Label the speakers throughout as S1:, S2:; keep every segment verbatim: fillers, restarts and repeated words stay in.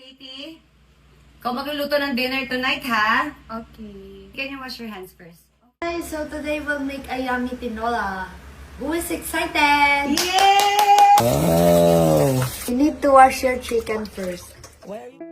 S1: Katie, ikaw magluluto ng dinner tonight, ha?
S2: Okay.
S1: Can you wash your hands first?
S2: Guys, so today we'll make a yummy tinola. Who is excited?
S1: Yay!
S3: Oh.
S2: You need to wash your chicken first.
S3: Where are you?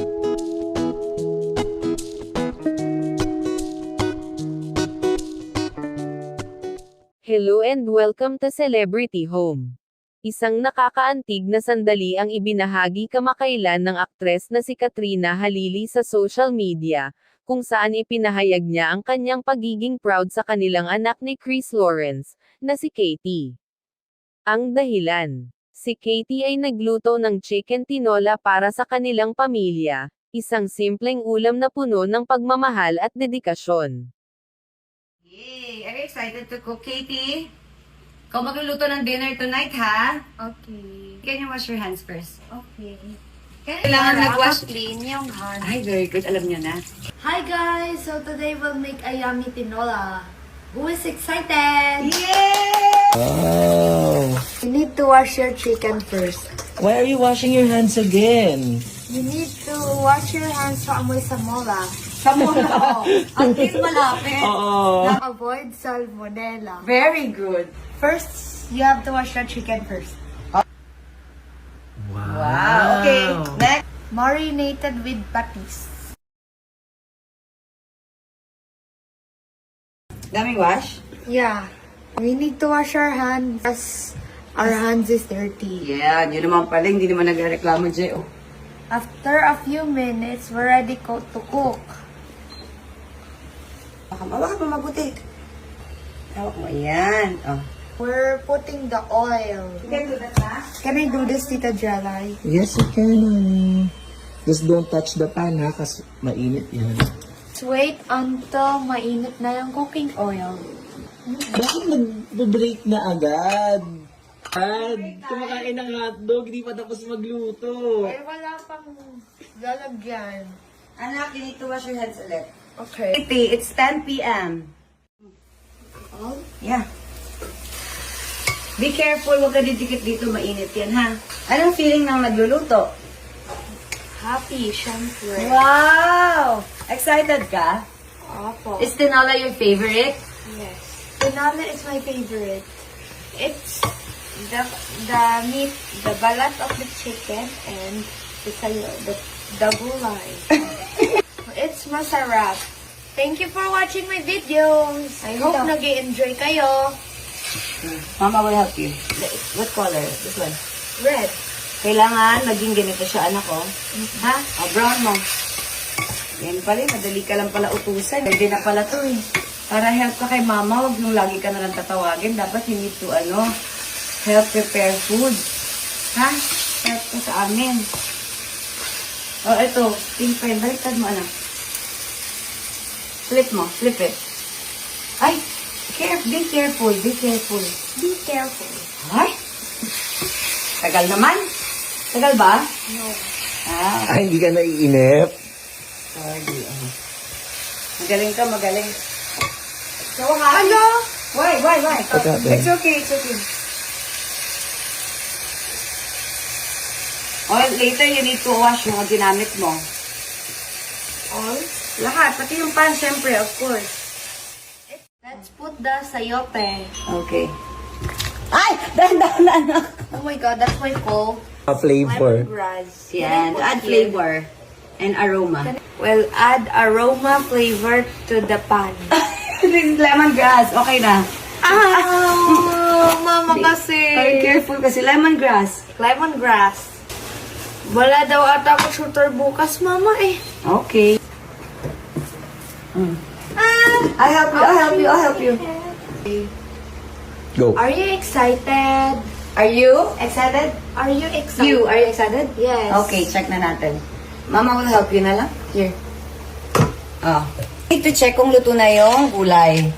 S4: Hello and welcome to Celebrity Home. Isang nakakaantig na sandali ang ibinahagi kamakailan ng aktres na si Katrina Halili sa social media, kung saan ipinahayag niya ang kanyang pagiging proud sa kanilang anak ni Chris Lawrence, na si Katie. Ang dahilan: si Katie ay nagluto ng chicken tinola para sa kanilang pamilya, isang simpleng ulam na puno ng pagmamahal at dedikasyon.
S1: Yay! Are you excited to cook, Katie? Ikaw magluluto ng dinner tonight, ha?
S2: Okay.
S1: Can you wash your hands first?
S2: Okay.
S1: Kailangan mag-wash.
S2: clean yung hand.
S1: Ay, very good. Alam niyo na.
S2: Hi guys, so today we'll make a yummy tinola. Who is excited?
S1: Yay!
S3: Oh.
S2: You need to wash your chicken first.
S3: Why are you washing your hands again?
S2: You need to wash your hands sa amoy samola.
S1: Sa muna, Ang clean malapit.
S3: Oo.
S2: Avoid salmonella.
S1: Very good.
S2: First, you have to wash your chicken first.
S1: Wow. Okay. Next.
S2: Marinated with patis.
S1: Daming wash?
S2: Yeah. We need to wash our hands as our hands is dirty.
S1: Yeah, yun naman pala. Hindi naman nagreklamo, Jay. Oh.
S2: After a few minutes, we're ready co- to cook.
S1: Baka mawak mo mabuti. Hawak mo. Ayan. Oh.
S2: We're putting the oil.
S1: Can do that, ha?
S2: Can I do this, Tita Jelay?
S3: Yes, you can, honey. Just don't touch the pan, ha? Kasi mainit yan.
S2: Let's wait until mainit na yung cooking oil.
S3: Bakit nag-break na agad? Ad, kumakain ng hotdog, hindi pa tapos magluto.
S2: Eh, wala pang lalagyan.
S1: Anak, you need to wash your hands ulit.
S2: Okay.
S1: Katie, it's ten p m
S2: Oh?
S1: Yeah. Be careful, huwag ka didikit dito, mainit yan, ha? Anong feeling ng nagluluto?
S2: Happy, syempre.
S1: Wow! Excited ka?
S2: Opo.
S1: Is tinola your favorite?
S2: Yes. Tinola is my favorite. It's the the meat, the balat of the chicken, and the sayo, the, the gulay. It's masarap. Thank you for watching my videos. I hope
S1: Ito.
S2: nag-enjoy kayo.
S1: Mama will help you. What color? This one.
S2: Red.
S1: Kailangan maging ganito siya, anak ko. Ha? O, brown mo. Yan pala, madali ka lang pala utusan. Pwede na pala to eh. Para help ka kay mama, huwag yung lagi ka na lang tatawagin. Dapat you need to, ano, help prepare food. Ha? Help ka sa amin. O, ito. Pink pen. Baliktad mo, anak. Flip mo. Flip it. Ay! Care, be careful. Be careful.
S2: Be careful.
S1: Ay! Tagal naman. Tagal ba?
S2: No.
S1: Ah,
S3: Ay, hindi ka naiinip?
S1: sorry. Oh. Magaling ka, magaling. So, ha?
S2: Ano?
S1: Why, why, why?
S3: What happened?
S1: It's okay, it's okay. Oh, later you need to wash yung mga ginamit mo.
S2: All?
S1: Lahat, pati yung pan, syempre, of course.
S2: Let's put the sayote.
S1: Okay. Ay! Dahan-dahan na, anak.
S2: Oh my god, that's my cold.
S3: A flavor.
S2: Lemongrass.
S1: Yan,
S2: Can I put
S1: add
S2: here?
S1: flavor and aroma.
S2: Well, add aroma flavor to the pan.
S1: This is lemongrass. Okay na.
S2: Ah, mama kasi.
S1: Very careful kasi lemongrass.
S2: Lemongrass. Wala daw ata ako shooter bukas, mama eh.
S1: Okay. Mm.
S2: Ah,
S1: I'll help you, I'll help you, I'll help you.
S3: Go.
S2: are you excited?
S1: Are you excited?
S2: Are you excited?
S1: You, are you excited?
S2: Yes.
S1: Okay, check na natin. Mama will help you na lang. Here. Oh. Need to check kung luto na yung gulay.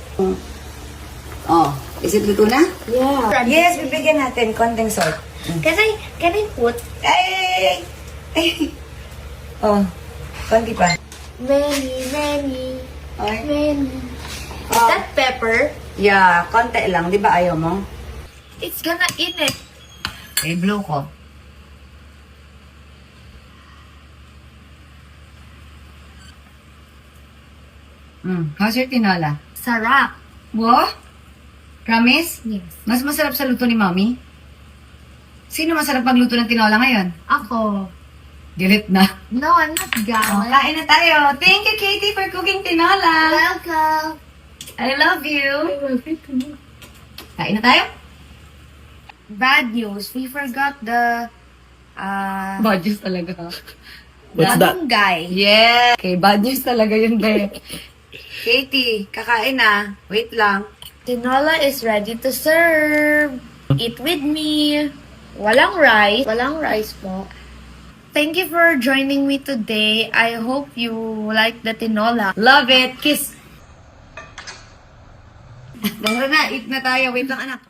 S1: Oh, is it luto na?
S2: Yeah.
S1: Yes, bibigyan natin konting salt.
S2: Can I, can I put
S1: Ay, ay, ay, ay. Oh, konti pa.
S2: many, many,
S1: Okay.
S2: many? Is
S1: Oh.
S2: that pepper?
S1: Yeah, konti lang. Di ba ayaw mo?
S2: It's gonna eat it.
S1: Eh, blow ko. Mm. How's your tinola?
S2: Sarap.
S1: Wo? Promise?
S2: Yes.
S1: Mas masarap sa luto ni Mommy? Sino masarap magluto ng tinola ngayon?
S2: Ako.
S1: Galit na.
S2: No, I'm not
S1: Oh,
S2: gallant.
S1: kain na tayo. Thank you, Katie, for cooking tinola.
S2: Welcome.
S1: I love you. Kain na tayo?
S2: Bad news. We forgot the uh
S1: Bad news talaga.
S3: What's that?
S2: guy.
S1: Yeah. Okay, bad news talaga yun, be. Katie, kakain na. Wait lang.
S2: Tinola is ready to serve. Eat with me. Walang rice. Walang rice po. Thank you for joining me today. I hope you like the tinola.
S1: Love it. Kiss. Tara na, eat na tayo. Wait lang, anak.